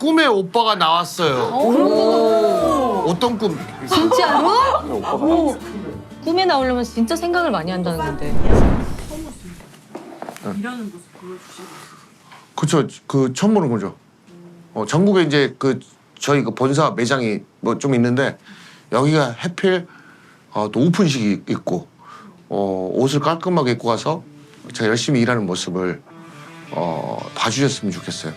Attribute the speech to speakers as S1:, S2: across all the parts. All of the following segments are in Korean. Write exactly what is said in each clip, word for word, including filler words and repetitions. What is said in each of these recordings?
S1: 꿈에 오빠가 나왔어요. 어떤 꿈?
S2: 진짜로?
S3: 오, 꿈에 나오려면 진짜 생각을 많이 한다는 건데.
S4: 일하는 모습 보여주시고.
S1: 그쵸, 그 처음 보는 거죠. 어, 전국에 이제 그 저희 그 본사 매장이 뭐 좀 있는데 여기가 하필 어, 또 오픈식이 있고 어, 옷을 깔끔하게 입고 가서 제가 열심히 일하는 모습을 어, 봐주셨으면 좋겠어요.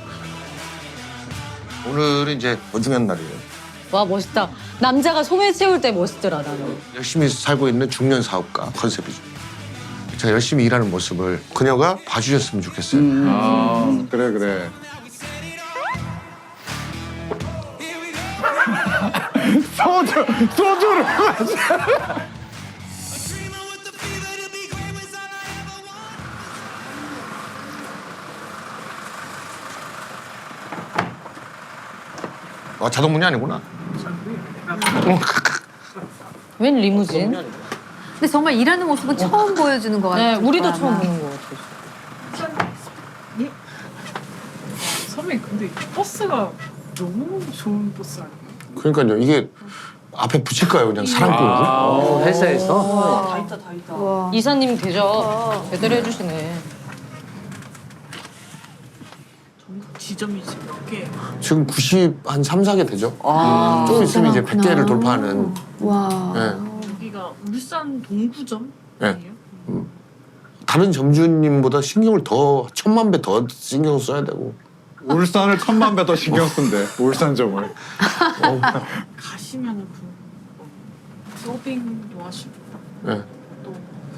S1: 오늘은 이제 어중한 날이에요.
S3: 와, 멋있다. 남자가 소매 채울 때 멋있더라, 나는.
S1: 열심히 살고 있는 중년 사업가 컨셉이죠. 제가 열심히 일하는 모습을 그녀가 봐주셨으면 좋겠어요.
S5: 음. 아, 그래, 그래. 소주, 소주를 마셔.
S1: 아, 자동문이 아니구나.
S3: 웬 리무진?
S2: 근데 정말 일하는 모습은 처음 보여주는 것
S3: 네,
S2: 같아요.
S3: 우리도
S2: 아마.
S3: 처음 보는 것 같아.
S4: 예? 선배님 근데 이 버스가 너무 좋은 버스 아니에요?
S1: 그러니까요. 이게 앞에 붙일까요? 그냥 사람 끌고?
S6: 어, 회사에서?
S4: 다 있다 다 있다.
S2: 와.
S3: 이사님 대접 제대로 해주시네.
S4: 전국 지점이 지금 몇 개?
S1: 지금 구십 한 삼, 사 개 되죠.
S6: 아,
S1: 조금 있으면 이제 백
S2: 많구나.
S1: 개를 돌파하는.
S2: 와.
S1: 예.
S4: 여기가 울산 동구점
S1: 네.
S4: 아니에요?
S1: 다른 점주님보다 신경을 더 천만 배 더 신경 써야 되고.
S5: 울산을 천만 배 더 신경 쓴대, 울산점을.
S4: 가시면은 그 뭐, 서빙도 하시고
S1: 예.
S4: 또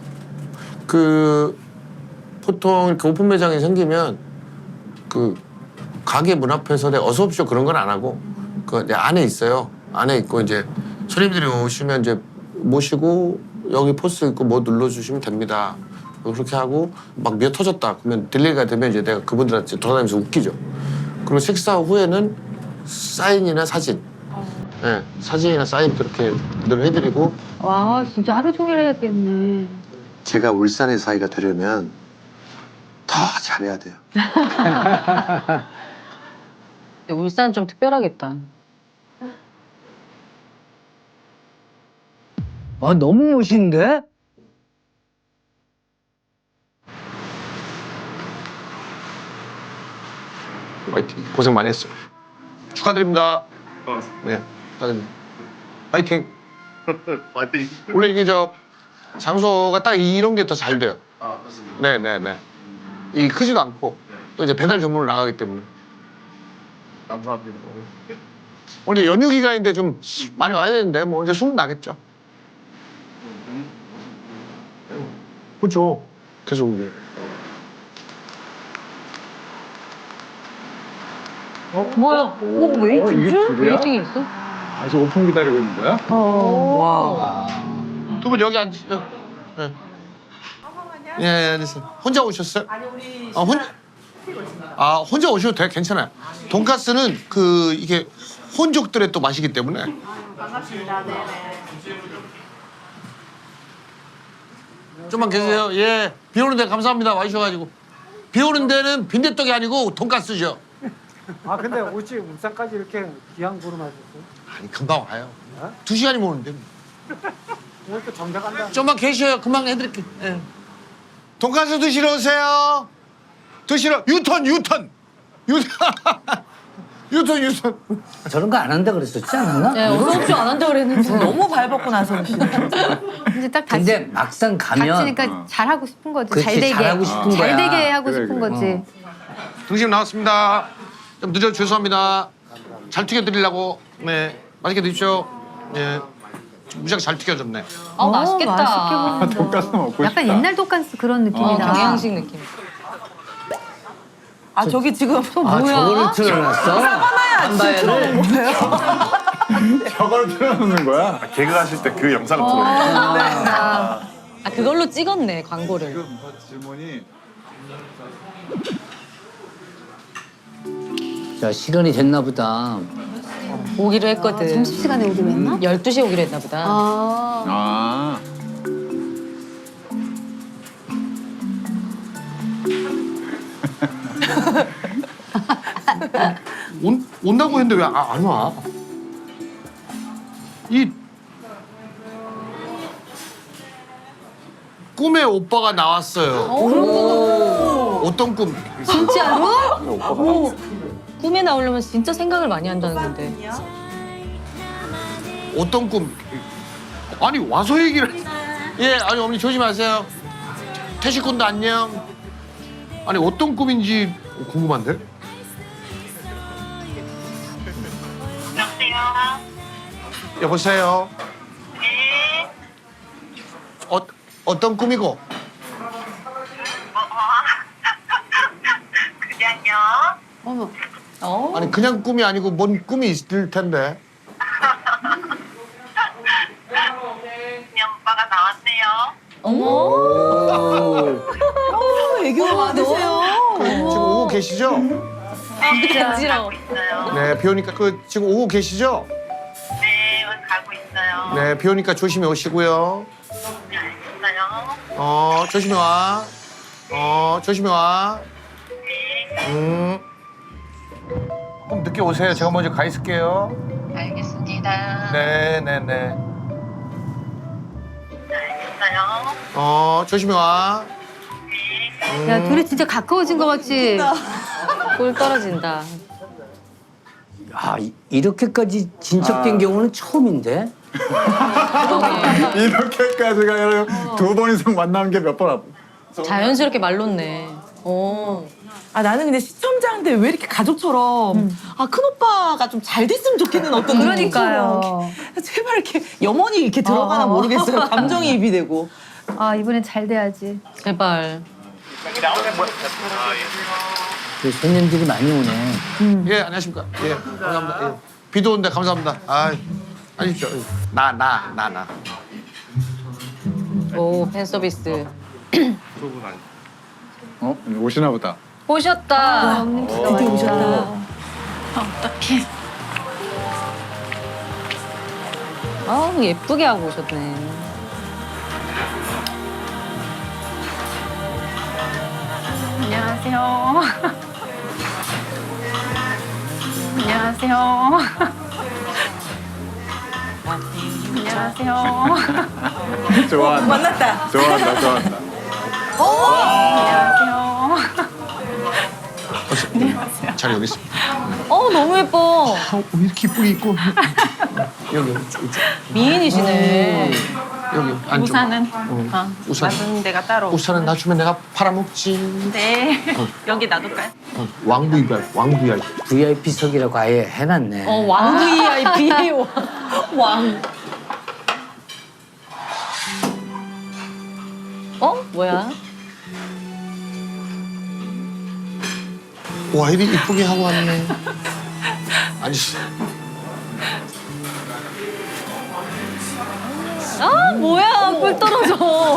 S1: 그 보통 이렇게 오픈 매장이 생기면 그 가게 문 앞에서 내 어서 오십시오 그런 건 안 하고 그 이제 안에 있어요. 안에 있고 이제 손님들이 오시면 이제 모시고 여기 포스 있고 뭐 눌러주시면 됩니다. 그렇게 하고 막 미어 터졌다 그러면 딜레이가 되면 이제 내가 그분들한테 돌아다니면서 웃기죠. 그리고 식사 후에는 사인이나 사진, 예, 사진이나 사인 그렇게 늘 해드리고.
S2: 와, 진짜 하루 종일 해야겠네.
S1: 제가 울산의 사이가 되려면 더 잘해야 돼요.
S3: 근데 울산은 좀 특별하겠다.
S6: 아, 너무 멋있는데?
S1: 파이팅. 고생 많이 했어요. 축하드립니다. 네, 축하드립니다. 파이팅. 파이팅. 원래 이게 저 장소가 딱 이런 게 더 잘 돼요. 아, 맞습니다. 네, 네, 네. 이 크지도 않고 또 이제 배달 전문으로 나가기 때문에. 감사합니다. 오늘 연휴 기간인데 좀 많이 와야 되는데 뭐 이제 수능 나겠죠. 그렇죠. 계속 이제.
S3: 뭐야? 어, 웨이팅?
S5: 어, 이게 줄이야?
S3: 웨이팅이 있어?
S5: 아직 오픈 기다리고 있는 거야?
S3: 와.
S1: 두 분 여기 앉으세요. 네. 예, 예, 앉으세요. 혼자 오셨어요?
S4: 아니 우리
S1: 아, 혼, 아, 혼자 오셔도 돼. 괜찮아요. 돈가스는 그, 이게 혼족들의 또 맛이기 때문에.
S4: 반갑습니다. 네네.
S1: 좀만 계세요. 예. 비 오는 데 감사합니다. 와주셔가지고. 비 오는 데는 빈대떡이 아니고 돈가스죠.
S7: 아 근데 어찌 울산까지 이렇게 귀한 걸음 하셨어요?
S1: 아니, 금방 와요.
S7: 어?
S1: 두 시간이면 오는데.
S7: 오늘 또 정대 간다.
S1: 좀만 계셔요. 금방 해드릴게요. 예. 돈가스 드시러 오세요. 드시러. 유턴, 유턴. 유턴. 유턴, 유턴.
S6: 저런 거 안 한다 그랬었지 않았나?
S3: 네, 어서 오십시오 안 한다고 그랬는데.
S4: 너무 밟았고 나서 오시네.
S2: 이제 딱 다시
S6: 근데 막상 가면
S2: 닥치니까
S5: 어.
S2: 잘하고 싶은 거지.
S6: 그렇지,
S2: 잘 되게.
S6: 잘하고 싶은
S2: 잘
S6: 거야.
S2: 되게 하고
S5: 그래,
S2: 싶은
S5: 그래.
S2: 거지.
S1: 등심 나왔습니다. 좀 늦어 죄송합니다. 잘 튀겨드리려고. 네. 맛있게 드십시오. 예. 무지하게 잘 튀겨졌네.
S3: 아, 맛있겠다.
S2: 어, 맛있게 보인다.
S5: 돈가스 먹고 싶다.
S2: 약간 옛날 돈가스 그런
S3: 어,
S2: 느낌이다.
S3: 경양식 느낌.
S4: 아 저기 지금 또
S6: 아,
S3: 뭐야?
S6: 저거를 틀어놨어? 한바야를?
S5: 저걸 틀어놓는 거야?
S8: 개그 하실 때 그 영상을
S3: 어.
S8: 틀어요.
S3: 아, 그걸로 찍었네, 광고를.
S5: 지금 뭐 질문이
S6: 자, 시간이 됐나 보다.
S3: 오기로 했거든.
S2: 점심시간에 오기로 했나?
S3: 열두 시에 오기로 했나 보다.
S2: 아.
S5: 아.
S1: 온, 온다고 했는데 왜 안 와? 이 꿈에 오빠가 나왔어요. 어떤 꿈?
S3: 진짜로? 꿈에 나오려면 진짜 생각을 많이 한다는 건데.
S1: 어떤 꿈? 아니 와서 얘기를. 예, 아니 어머니 조심하세요. 태식군도 안녕. 아니 어떤 꿈인지 궁금한데?
S8: 여보세요?
S1: 여보세요.
S8: 네?
S1: 어 어떤 꿈이고?
S8: 뭐, 뭐? 그냥요?
S2: 어머.
S3: 어?
S1: 아니 그냥 꿈이 아니고 뭔 꿈이 있을 텐데.
S8: 그냥 오빠가 나왔네요.
S3: 어머.
S6: 오.
S3: 애교가 많으세요.
S1: 그 지금 오고 계시죠?
S3: 간지러워.
S8: 있어요.
S1: 네, 비 오니까 그 지금 오고 계시죠?
S8: 네, 가고 있어요.
S1: 네, 비 오니까 조심히 오시고요.
S8: 네, 알겠어요.
S1: 어, 조심히 와. 어, 조심히 와.
S8: 네,
S1: 음. 좀 늦게 오세요. 제가 먼저 가 있을게요.
S8: 알겠습니다.
S1: 네, 네, 네.
S8: 네, 알겠어요.
S1: 어, 조심히 와.
S8: 네.
S2: 야, 둘이 진짜 가까워진 거 같지?
S3: 꿀 떨어진다.
S6: 야, 이- 이렇게까지 진척된 경우는 처음인데?
S5: 이렇게까지가 아니라 두 번 이상 만나는 게 몇 번 앞.
S3: 자연스럽게 말놓네. 어.
S9: 아 나는 근데 시청자인데 왜 이렇게 가족처럼 아 큰오빠가 좀 잘 됐으면 좋겠는 어떤
S2: 그러니까요.
S9: 느낌처럼 제발 이렇게 염원이 이렇게 들어가나
S2: 어.
S9: 모르겠어요. 감정이입이 되고.
S2: 아, 이번엔 잘 돼야지.
S3: 제발.
S6: 그 손님들이 많이 오네.
S1: 예, 안녕하십니까. 예, 감사합니다. 예. 비도 오는데 감사합니다. 아, 아십시오. 나, 나, 나, 나.
S3: 오, 팬 서비스.
S5: 어? 오시나 보다.
S3: 오셨다.
S2: 엄님 진짜
S9: 드디어
S2: 왔다.
S9: 오셨다.
S3: 아우, 예쁘게 하고 오셨네.
S4: 안녕하세요. 안녕하세요. 안녕하세요.
S5: 좋아한다.
S9: 만났다.
S5: 좋아한다, 좋아한다.
S4: 안녕하세요.
S1: 잘 여기 있습니다.
S3: 어, 너무 예뻐.
S1: 아, 왜 이렇게 이쁘게 입고. 여기, 여기, 여기,
S3: 미인이시네.
S1: 여기. 안쪽.
S4: 우산은
S1: 어,
S4: 아,
S1: 우산.
S4: 놔두는 데가 따로.
S1: 우산은 나 주면 내가 팔아먹지.
S4: 네. 여기 놔둘까요?
S1: 어, 왕부 이발, 왕부 이발.
S6: 브이아이피석이라고 아예 해놨네.
S3: 어, 왕 브이아이피. 왕. 어? 뭐야?
S1: 와, 이리 이쁘게 하고 왔네. 아니,
S3: 아, 뭐야? 꿀 떨어져.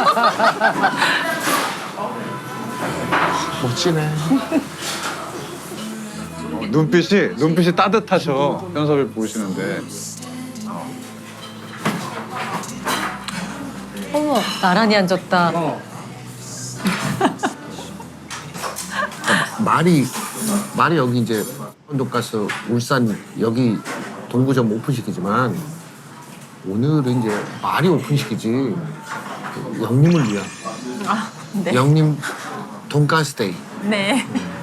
S1: 멋지네.
S5: 어, 눈빛이 눈빛이 따뜻하셔. 현섭이 보시는데.
S3: 어머, 나란히 앉았다.
S1: 말이, 말이 여기 이제 돈가스 울산 여기 동구점 오픈시키지만 오늘은 이제 말이 오픈시키지 그 영님을 위한
S4: 아, 네.
S1: 영님 돈가스 데이.
S4: 네.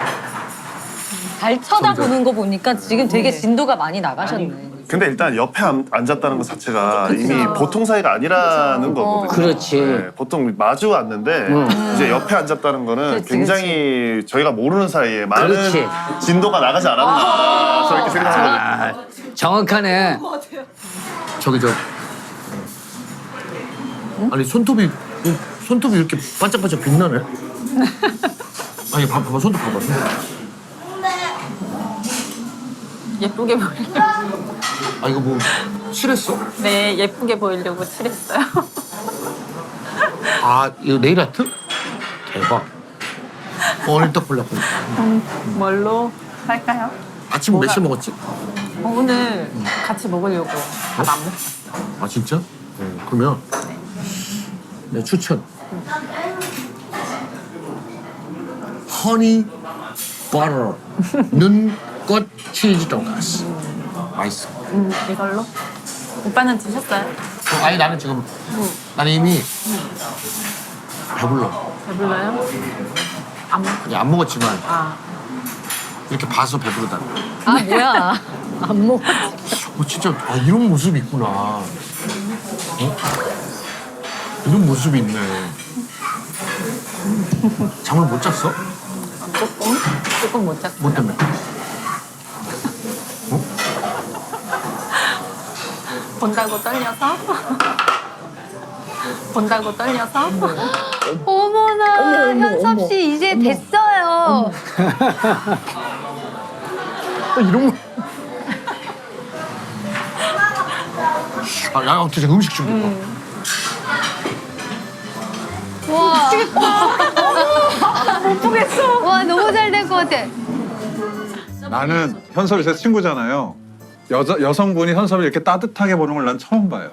S3: 잘 쳐다보는 거 보니까 지금 되게 진도가 많이 나가셨네.
S10: 근데 일단 옆에 앉- 앉았다는 것 자체가 이미 보통 사이가 아니라는 거거든요.
S6: 그렇지.
S10: 네, 보통 마주 왔는데 이제 옆에 앉았다는 거는
S3: 그렇지,
S10: 굉장히 저희가 모르는 사이에 많은
S6: 그렇지.
S10: 진도가 나가지 않았나 저렇게 생각하거든요.
S6: 아, 정확하네.
S1: 저기 저 아니 손톱이 손톱이 이렇게 반짝반짝 빛나네. 아니 봐, 봐봐 손톱 봐봐. 손톱.
S4: 예쁘게 보이려고.
S1: 아 이거 뭐 칠했어?
S4: 네, 예쁘게 보이려고 칠했어요.
S1: 아 이거 네일 아트? 대박. 오늘 딱 보려고.
S4: 뭘로 할까요?
S1: 아침 몇 시에 먹었지?
S4: 어, 오늘 같이 먹으려고 밥 안 먹었어요.
S1: 아 진짜? 네, 그러면 내 추천. 허니 버터는 꽃 치즈 돈가스. 맛있어.
S9: 음, 이걸로? 오빠는 드셨어요?
S1: 어, 아니 나는 지금 나는 이미 배불러.
S9: 배불러요? 안,
S1: 아니, 안 먹었지만
S9: 아.
S1: 이렇게 봐서 배부르다.
S3: 아 뭐야? 안 먹어.
S1: 어, 진짜 아, 이런 모습이 있구나. 어? 이런 모습이 있네. 잠을 못 잤어?
S9: 조금? 조금 못 잤어요.
S1: 뭐 때문에?
S9: 본다고 떨려서? 본다고 떨려서?
S2: 어머나 현섭 씨 이제 됐어요.
S1: 아, 이런 거. 아, 야, 어떻게 음식 준비.
S2: 와. 못 보겠어. 와 너무 잘 될 것 같아.
S5: 나는 현섭이 제 친구잖아요. 여자 여성분이 현섭을 이렇게 따뜻하게 보는 걸 난 처음 봐요.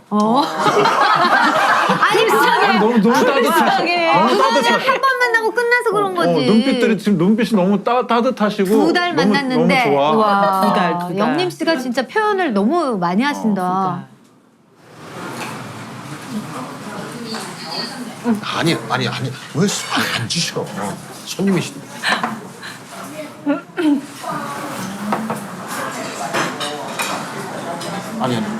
S2: 아니 그냥
S5: 너무 너무 따뜻하셔. 너무 따뜻하셔.
S2: 한 번 만나고 끝나서 그런 거지.
S5: 어, 눈빛들이 지금 눈빛이 너무 따, 따뜻하시고
S2: 두 달
S5: 너무,
S2: 만났는데
S5: 너무 좋아.
S2: 와
S9: 두 달, 두 달.
S2: 영림 씨가 진짜 표현을 너무 많이 하신다.
S1: 아니, 아니, 아니. 왜 수- 아니, 앉으셔. 손님이신데. 아니, 아니.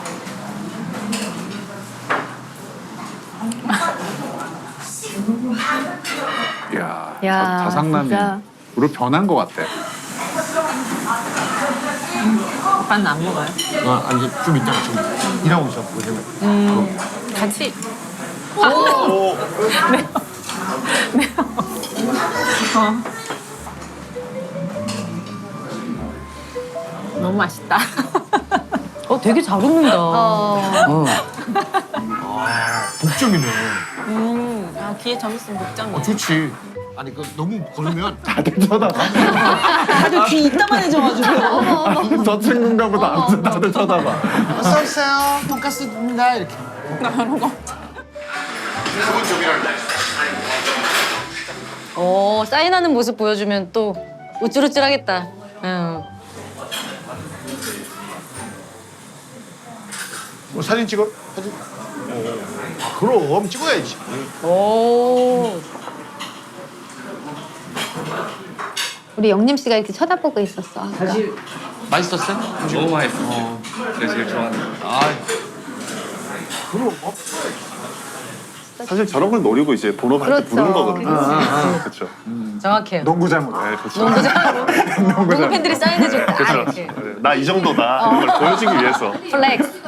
S5: 이야,
S2: 야,
S5: 자, 자상남이
S2: 진짜.
S5: 으로 변한 것 같아.
S9: 오빠는 안 먹어요?
S1: 아, 아니, 좀 이따가 좀 일하고 있어. 보시면.
S9: 음, 같이.
S10: 오.
S9: 어. 너무 맛있다.
S3: 어 되게 잘 웃는다.
S2: 어.
S6: 어.
S1: 복점이네.
S9: 음, 아, 귀에 점 있으면
S1: 어,
S9: 목장이야.
S1: 좋지. 아니, 그 너무 걸으면
S5: 다들 쳐다봐.
S9: 다들 귀 이따만 해져가지고.
S5: 저 친구인가 보다. 아무튼 다들 쳐다봐.
S1: 어서 오세요. 돈가스입니다. 이렇게.
S3: 어 사인하는 모습 보여주면 또 우쭐우쭐하겠다. 응.
S1: 뭐 사진 찍어? 사진. 아, 그럼 찍어야지.
S3: 오.
S2: 우리 영림 씨가 이렇게 쳐다보고 있었어. 아까.
S6: 사실
S1: 맛있었어요?
S11: 너무 맛있어. 제가 제일 좋아하는 거.
S1: 아, 그럼 뭐.
S10: 사실 저런 걸 노리고 이제 본업 할 때
S2: 그렇죠.
S10: 부르는 거거든요.
S1: 아,
S10: 그렇죠.
S3: 정확해요.
S5: 농구장으로.
S10: 네, 그렇죠.
S3: 농구장으로 농구 팬들이 사인해줬다.
S10: 그렇죠.
S3: 이렇게.
S10: 나 이 정도다 이런 걸 보여주기 위해서.
S3: 플렉스.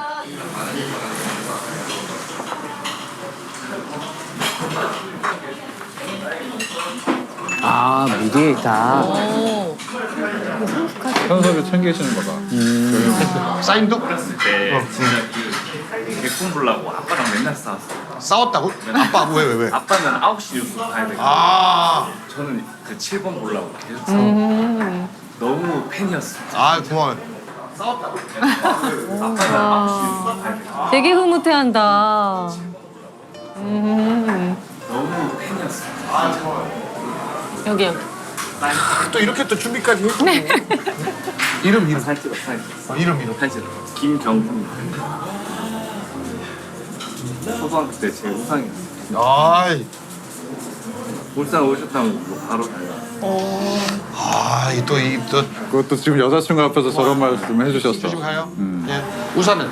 S6: 아 미리에 있다.
S3: 오.
S5: 현섭이 챙기시는 거 봐.
S1: 사인도?
S11: 네, 진짜 그 개꿈 보려고 아빠랑 맨날 싸웠어.
S1: 싸웠다고? 아빠 왜 왜 왜?
S11: 아빠는 아홉 시 뉴스 봐야 되고
S1: 아,
S11: 저는 그 칠 번 보려고 계속 싸웠고 너무 팬이었어.
S1: 아 고마워요.
S11: 아빠는 아홉 시 뉴스 봐야 되고
S3: 되게 흐뭇해한다.
S11: 너무 팬이었어.
S9: 여기, 여기.
S1: 또 이렇게 또 준비까지 해주고. 이름 이름.
S11: 사진 찍어, 사진 찍어.
S1: 어, 이름 이름.
S11: 사진 찍어. 김경훈. 초등학교 때 제 우상이었어.
S1: 아이,
S11: 울산 오셨다면 바로 달라.
S1: 아, 또이또
S5: 그것도 지금 여자친구 앞에서 저런 말씀 해주셨어.
S1: 조심 가요.
S5: 음.
S1: 예, 우산은.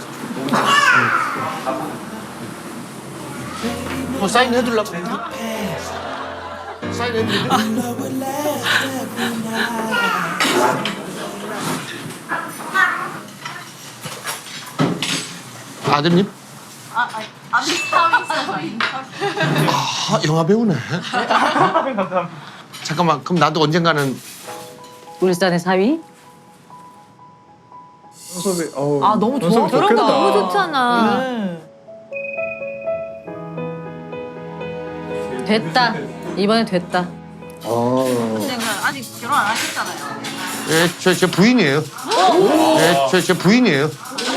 S1: 뭐 사인 해둘라고? 사인 해드릴래? 아드님? 아, 아들 사위 아, 영화 배우네. 잠깐만, 그럼 나도 언젠가는
S3: 울산의 사위.
S5: 현섭이, 어우,
S9: 아, 너무 좋아.
S5: 현섭이
S9: 저런
S5: 좋겠다.
S9: 거
S2: 너무 좋잖아.
S9: 네.
S3: 됐다. 이번에 됐다.
S6: 어.
S9: 아직 결혼 안 하셨잖아요.
S1: 예, 저, 제 부인이에요. 예, 저, 제 부인이에요.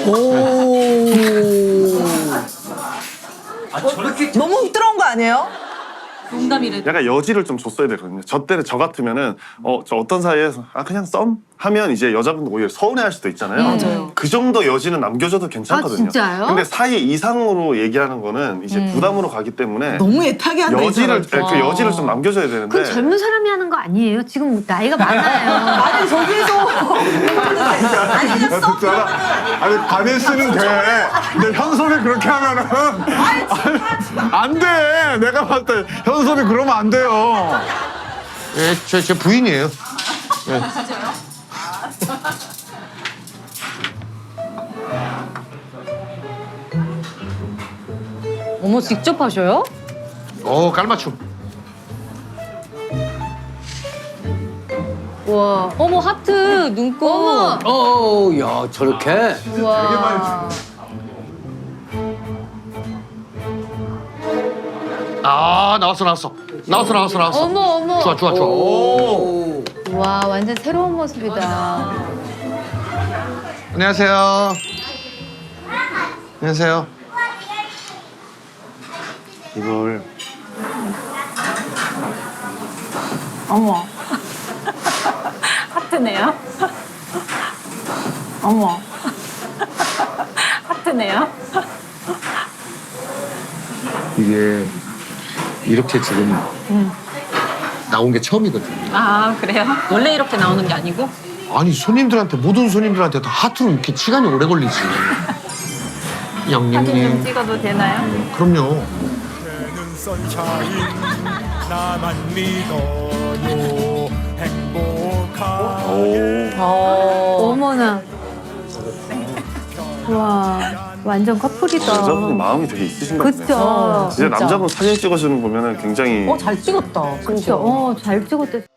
S9: 너무 들어온 거 아니에요?
S3: 농담이래.
S10: 약간 여지를 좀 줬어야 되거든요. 저 때는 저 같으면은 어 저 어떤 사이에서 아 그냥 썸 하면 이제 여자분 오히려 서운해할 수도 있잖아요.
S3: 맞아요.
S10: 그 정도 여지는 남겨줘도 괜찮거든요.
S2: 아, 진짜요?
S10: 근데 사이 이상으로 얘기하는 거는 이제
S3: 음.
S10: 부담으로 가기 때문에
S9: 너무 애타게 한다. 이
S10: 여지를
S9: 사람.
S10: 그 여지를 좀 남겨줘야 되는데.
S2: 그건 젊은 사람이 하는 거 아니에요? 지금 나이가 많아요.
S9: 아니 저기에서 아니
S5: 야, 듣잖아. 아니 반일 쓰는 돼. 근데 현섭이 그렇게 하면은 안 돼. 내가 봤을 때 현섭이 그러면 안 돼요.
S1: 예, 제, 제 부인이에요. 예.
S3: 어머 직접 하셔요?
S1: 어, 깔맞춤.
S2: 와.
S3: 어머 하트 눈곱.
S2: 어머.
S6: 어, 야, 저렇게?
S2: 와.
S1: 아, 나왔어, 나왔어. 나왔어, 나왔어, 나왔어.
S2: 어머 어머.
S1: 좋아, 좋아, 좋아.
S6: 오.
S2: 와 완전 새로운 모습이다.
S1: 안녕하세요. 안녕하세요.
S10: 이걸
S4: 어머. 하트네요. 어머. 하트네요.
S1: 이게 이렇게 지금 나온 게 처음이거든요.
S3: 아 그래요? 원래 이렇게 나오는 게 아니고?
S1: 아니 손님들한테 모든 손님들한테 다 하트로 이렇게 시간이 오래 걸리지. 영님님.
S4: 찍어도 되나요?
S1: 그럼요.
S10: 오.
S2: 어머나. 와 완전 커플이다.
S10: 여자분이 마음이 되게 있으신 것 같네요.
S2: 그쵸.
S10: 진짜 남자분 사진 찍어주는 거 보면은 굉장히
S3: 어 잘 찍었다.
S2: 그쵸. 어잘 찍었대.